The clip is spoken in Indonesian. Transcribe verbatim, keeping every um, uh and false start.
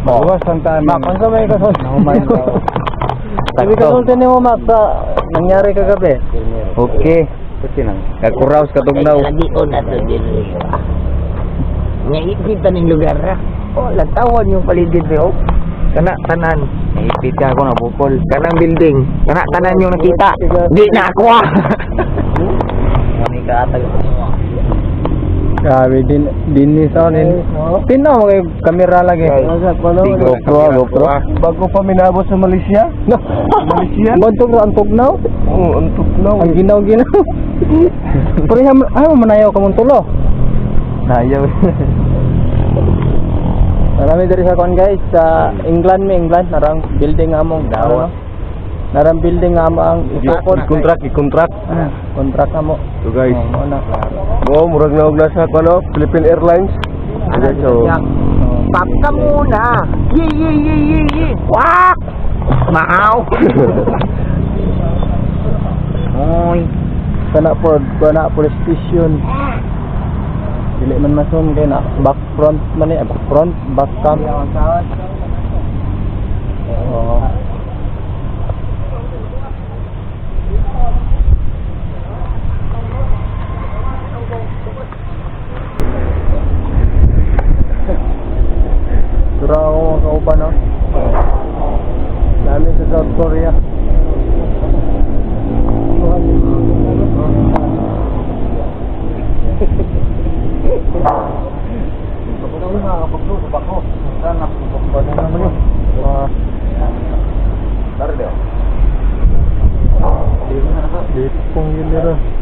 Luwas ang tanan. Mak, ano may kasunod? Nahumayan daw. Sabi kasunod mo, Mak, sa nangyari kagabi. Okay. Kasi nang. Kagkuraos katugnaw. Lagi ko na to din. Ngayon ning lugar ra. Oh, latawan yung paligid mo. Kana tanan. Naipit ka ako na bukol. Kanang building. Kana tanan yung nakita. Di na ako ah. Kami kaatag. Grabe, din, din ni Sonin. Tinaw mo kay kamera lagi. GoPro, GoPro. Bago pa minabot sa Malaysia? Malaysia? Bantog ra ang tugnaw. Oo, ang tuklaw. Ang ginaw-ginaw. Pero yung, ay, manayaw ka mong tulo. Nayaw. Marami dari sa kon guys, sa England mi, England. Narang building nga mong dawa. Narang building nga mo ang isukod. I-contract, i-contract. Ah, kontrak nga mo. So guys, Oh, mo na. mo murag na og nasa ano, Philippine Airlines. Ano So, Pap ka muna. Yi yi yi yi yi. Wak. Maaw. Oy. Kana po, kana police station. Dili man masun kay na back front man ni, back front, back cam. Oh. Sura ako kauban no. Lalo sa South Korea. Dito pong yun nila.